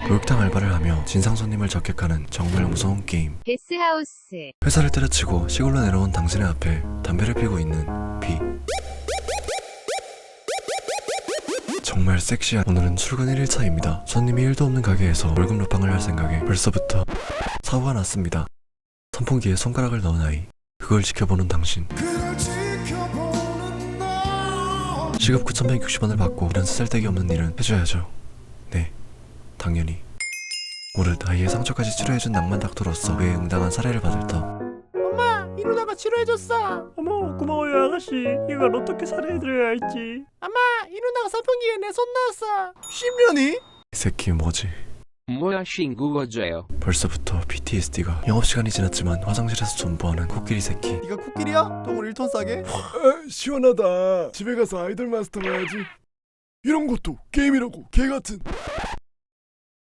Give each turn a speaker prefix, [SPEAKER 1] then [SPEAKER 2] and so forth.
[SPEAKER 1] 목욕탕 알바를 하며 진상 손님을 적객하는 정말 무서운 게임.
[SPEAKER 2] 게스하우스.
[SPEAKER 1] 회사를 때려치고 시골로 내려온 당신의 앞에 담배를 피고 있는 비. 정말 섹시한. 오늘은 출근 1일차입니다. 손님이 1도 없는 가게에서 월급 루팡을 할 생각에 벌써부터 사고가 났습니다. 선풍기에 손가락을 넣은 아이, 그걸 지켜보는 당신. 시급 9,160원을 받고 이런 쓰잘데기 없는 일은 해줘야죠. 네, 당연히. 오릇 아이의 상처까지 치료해준 낭만 닥터로서 그에 응당한 사례를 받을 터.
[SPEAKER 3] 엄마, 이누나가 치료해줬어.
[SPEAKER 4] 어머 고마워요 아가씨. 이걸 어떻게 살해해드려야 할지.
[SPEAKER 3] 엄마, 이누나가 선풍기에 내 손 넣었어. 10년이?
[SPEAKER 1] 이 새끼 뭐지?
[SPEAKER 5] 뭐야 신구어져요.
[SPEAKER 1] 벌써부터 PTSD가. 영업시간이 지났지만 화장실에서 존버하는 코끼리 새끼.
[SPEAKER 3] 네가 코끼리야? 똥을 1톤 싸게?
[SPEAKER 6] 시원하다. 집에 가서 아이돌 마스터 봐야지. 이런 것도 게임이라고, 개같은.